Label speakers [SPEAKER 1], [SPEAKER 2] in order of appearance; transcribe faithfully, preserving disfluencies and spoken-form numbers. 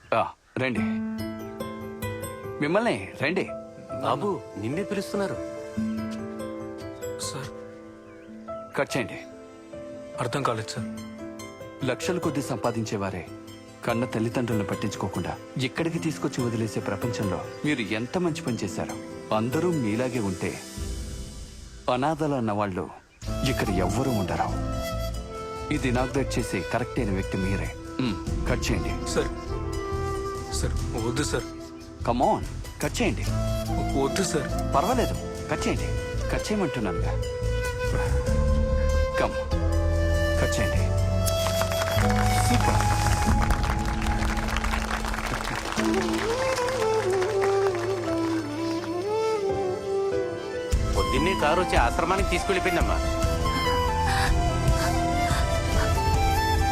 [SPEAKER 1] ఆ, రండి. మిమ్మల్ని రండి.
[SPEAKER 2] బాబు నిన్నే పిలుస్తున్నారు.
[SPEAKER 3] సార్
[SPEAKER 1] కట్ చేయండి.
[SPEAKER 3] అర్థం కాలేదు సార్.
[SPEAKER 1] లక్షల కొద్ది సంపాదించేవారే కన్న తల్లిదండ్రులను పట్టించుకోకుండా ఇక్కడికి తీసుకొచ్చి వదిలేసే ప్రపంచంలో మీరు ఎంత మంచి పని చేశారు. అందరూ మీలాగే ఉంటే అనాథలు అన్న వాళ్ళు ఇక్కడ ఎవ్వరూ ఉండరు. ఇది ఇనాగ్రేట్ చేసి కరెక్ట్ అయిన వ్యక్తి మీరే. మ్, కట్ చేయండి.
[SPEAKER 3] సార్ సార్ వద్దు సార్.
[SPEAKER 1] కమాన్, కట్ చేయండి.
[SPEAKER 3] వద్దు సార్.
[SPEAKER 1] పర్వాలేదు, కట్ చేయండి. కట్ చేయమంటున్నానుగా. కమ్, కట్ చేయండి. సూపర్.
[SPEAKER 2] పొద్దున్నే కారు వచ్చి ఆశ్రమానికి తీసుకెళ్ళిపోయిందమ్మా.